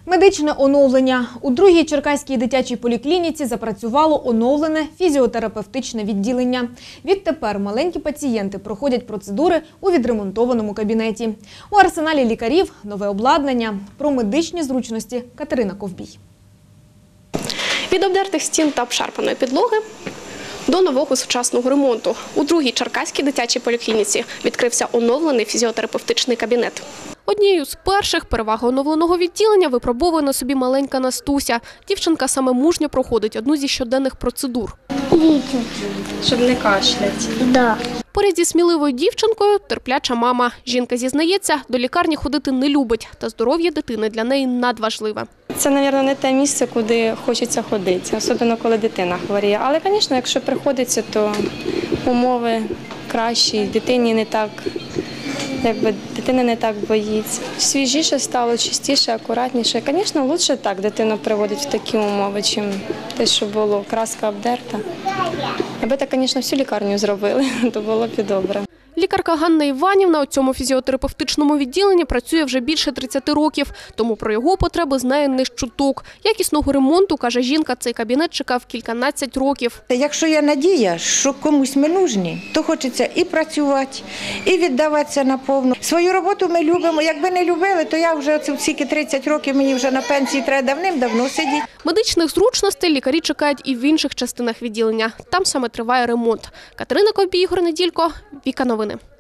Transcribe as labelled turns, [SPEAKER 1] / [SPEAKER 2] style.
[SPEAKER 1] Медичне оновлення. У другій Черкаській дитячій поліклініці запрацювало оновлене фізіотерапевтичне відділення. Відтепер маленькі пацієнти проходять процедури у відремонтованому кабінеті. У арсеналі лікарів – нове обладнання. Про медичні зручності Катерина Ковбій.
[SPEAKER 2] Від обдертих стін та обшарпаної підлоги до нового сучасного ремонту. У другій Черкаській дитячій поліклініці відкрився оновлений фізіотерапевтичний кабінет. Однією з перших переваг оновленого відділення випробовує на собі маленька Настуся. Дівчинка саме мужньо проходить одну зі щоденних процедур.
[SPEAKER 3] Щоб не кашлять.
[SPEAKER 4] Да.
[SPEAKER 2] Поряд зі сміливою дівчинкою терпляча мама. Жінка зізнається, до лікарні ходити не любить, та здоров'я дитини для неї надважливе.
[SPEAKER 3] Це, мабуть, не те місце, куди хочеться ходити, особливо коли дитина хворіє. Але, звісно, якщо приходиться, то умови кращі, дитині не так, дитина не так боїться. Свіжіше стало, чистіше, акуратніше. Звісно, краще так дитину приводить в такі умови, чим те, що було, краска обдерта. Аби так, звісно, всю лікарню зробили, то було б і добре.
[SPEAKER 2] Лікарка Ганна Іванівна у цьому фізіотерапевтичному відділенні працює вже більше 30 років, тому про його потреби знає не з чуток. Якісного ремонту, каже жінка, цей кабінет чекав кільканадцять років.
[SPEAKER 5] Якщо є надія, що комусь ми нужні, то хочеться і працювати, і віддаватися наповну. Свою роботу ми любимо. Якби не любили, то я вже стільки 30 років, мені вже на пенсії треба давним-давно сидіти.
[SPEAKER 2] Медичних зручностей лікарі чекають і в інших частинах відділення. Там саме триває ремонт. Катерина Ковбій, Ігор Неділько, Віка Новини.